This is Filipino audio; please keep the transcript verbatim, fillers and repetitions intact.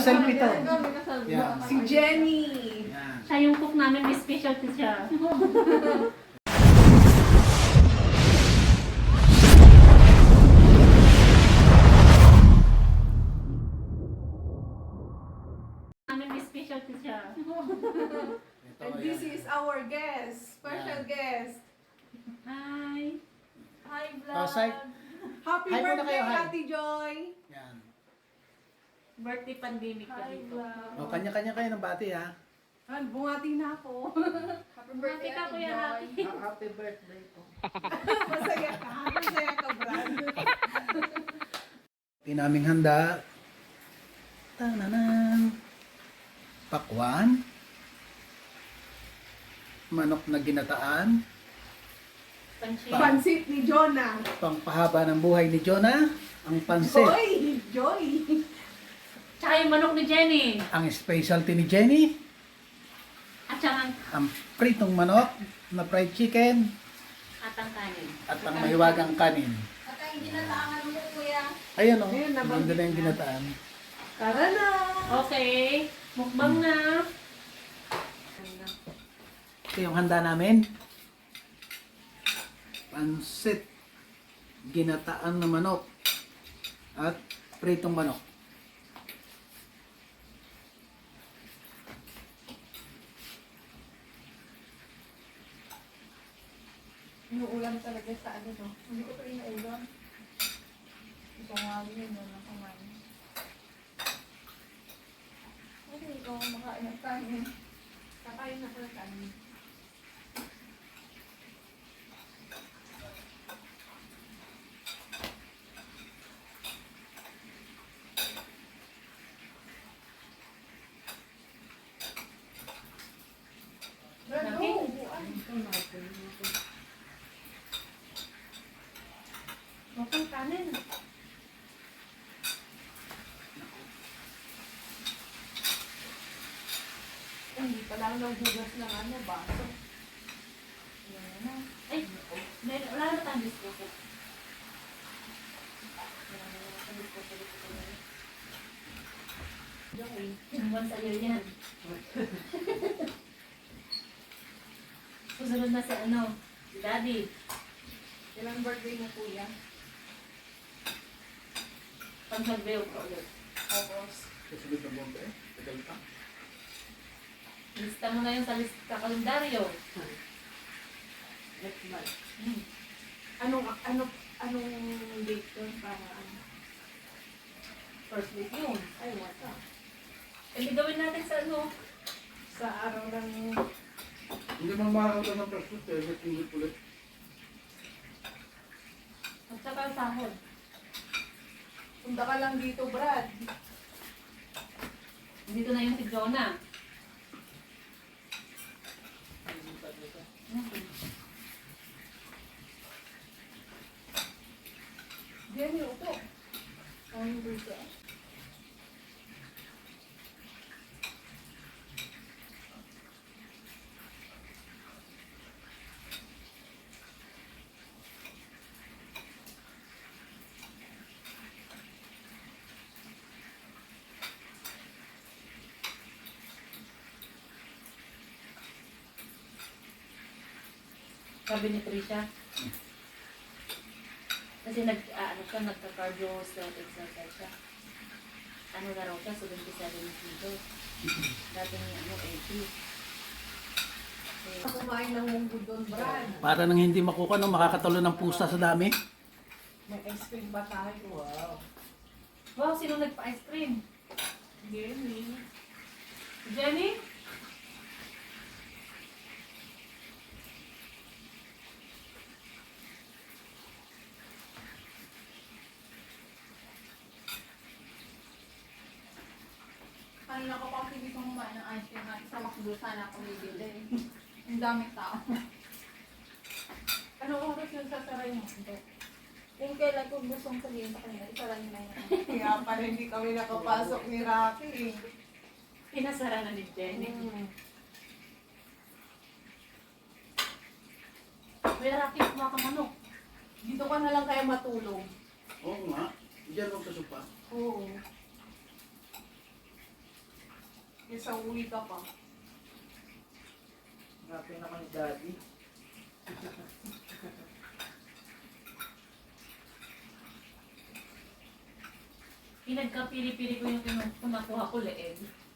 naka-selfie to. Yan. Si Jenny. Yan. Siya yung cook namin, may specialty siya. Namin may specialty siya. Ito, And this yan. is our guest, special Yan. guest. Hi! Hi, Oh, say- vlog. Happy Hi muna birthday, kayo, hi. Ate Joy. Yan. Birthday pandemic pa Hi, dito. vlog. O, kanya-kanya kayo ng bati, ha? Ah, bungati na ako. Happy Birthday ka, Kuya Rocky. Happy birthday po. Masaya ka. Masaya ka, Brad. Tinaming handa. Tananan. Pakwan. Manok na ginataan. Pansit. Pansit ni Jonah. Pangpahaba ng buhay ni Jonah. Ang pansit. Joy! Joy! Tsaka yung manok ni Jenny. Ang specialty ni Jenny. At saka ang Ang pritong manok na fried chicken. atang kanin. At ang mahiwagang kanin. At ang ginataangan mo, kuya. Ayan o. Ayan, nabanggit Nandun na yung na. ginataan. Tara na! Okay. Mukbang na. Ito yung handa namin. Pansit. Ginataan na manok. At pritong manok. Inuulam talaga sa ano, no? Hindi ko pa inuulam. Ito nga yun, no? Nakamain. Kasi ikaw makain ng kanin. Kakain ako ng kanin. Brad, Laki. oh, upuan. Mukbang kanin. Hindi pa lang naghugas ng ano, baso. Yan na. Ay, may, wala na tayong disposal. Wala na tayong disposal. Joy, one sa'yo yan. Susunod na si ano, si Daddy. Ilang birthday mo, kuya? Pag nag-view ko ulit. August. Kasunod na bomba eh. Tagal pa. Lista mo na yung sa lista kalendaryo. Next month. Hmm. Anong, ano, anong date yun para ano? First week yun. Ay, wata. E di gawin natin sa ano. Sa araw ng... Hindi man makakita ng presyo. Pero ulit-ulit. At saka ang sahod. Punta ka lang dito, Brad. Dito na yung si Jonah. Hmm. Jenny, upo. Ang dito. Sabi ni Trisha. Kasi nag, ah, ano siya, nagka-cardio strength exercise siya. Ano na raw siya, seventy-seven kilos. Dati niya, ano, eighty. Eh, Kumain ng munggo doon, Brad. Para nang hindi makuha no, makakatalo ng pusa sa dami. May ice cream ba tayo? Wow. wow, sino nagpa-ice cream? Jenny. Jenny? Kanina ko pa hindi ko kumain ng ice cream at sa McDo sana ako bibili. Ang daming tao. Ano oras yung sasaray mo? Yung kailan ko gustong sabihin sa kanila, isaray na yun. Kaya pala hindi kami nakapasok ni Rocky. eh. Pinasara na ni Jenny. Mm. May Rocky, kuha ka manok. Dito ka na lang kaya matulog. Oo nga. Diyan ako sa sopa. Oo. Isang uwi ka pa. Hanapin naman ni Daddy. Pinagkapili-pili ko yung kinu- kumakuha ko leeg.